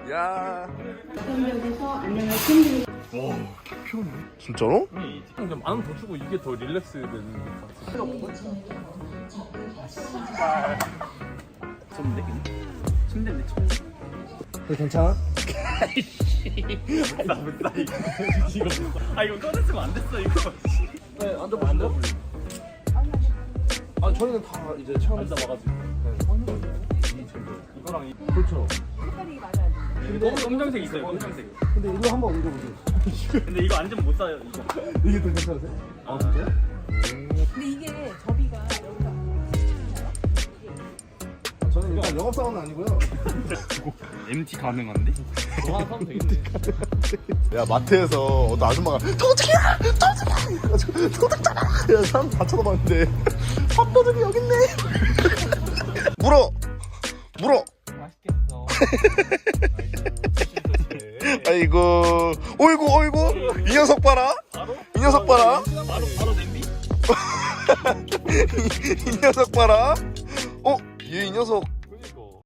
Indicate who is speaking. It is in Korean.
Speaker 1: 야.
Speaker 2: 여기서 안녕을 드립니다.
Speaker 3: 와, 피곤해.
Speaker 1: 진짜로?
Speaker 3: 그냥 만원 더 주고 이게 더 릴렉스 되는 것 같아.
Speaker 4: 좋은데? 침대인데 침대.
Speaker 1: 괜찮아?
Speaker 4: 나 못다 이거. 이거 꺼냈으면 안 됐어 이거.
Speaker 1: 네, 앉아보실래요? 아, 저희는 다 이제 처음
Speaker 4: 앉아봐가지고. 이거랑 이
Speaker 1: 그렇죠.
Speaker 4: 검정색 있어요. 검정색.
Speaker 1: 근데 이거 한번 옮겨보세요.
Speaker 4: 근데 이거 앉으면 못 사요. 이거.
Speaker 1: 이게 더 괜찮으세요? 아, 진짜요?
Speaker 5: 근데 이게 접이가 여기가
Speaker 1: 저는 일단 영업사원은 아니고요.
Speaker 4: MT 가능한데?
Speaker 3: 저 하나 사면 되겠네.
Speaker 1: 야, 마트에서 어떤 아줌마가 도둑이야! 도둑이야! 이래가지고 도둑잖아! 그래서 사람 다 쳐다봤는데 밥도둑이 여기 있네! 물어! 물어!
Speaker 3: 맛있겠어.
Speaker 1: 아이고, 어이구, 어이구! 이 녀석 봐라! 이 녀석 봐라!
Speaker 4: 바로 냄비?
Speaker 1: 이 녀석 봐라! 이 녀석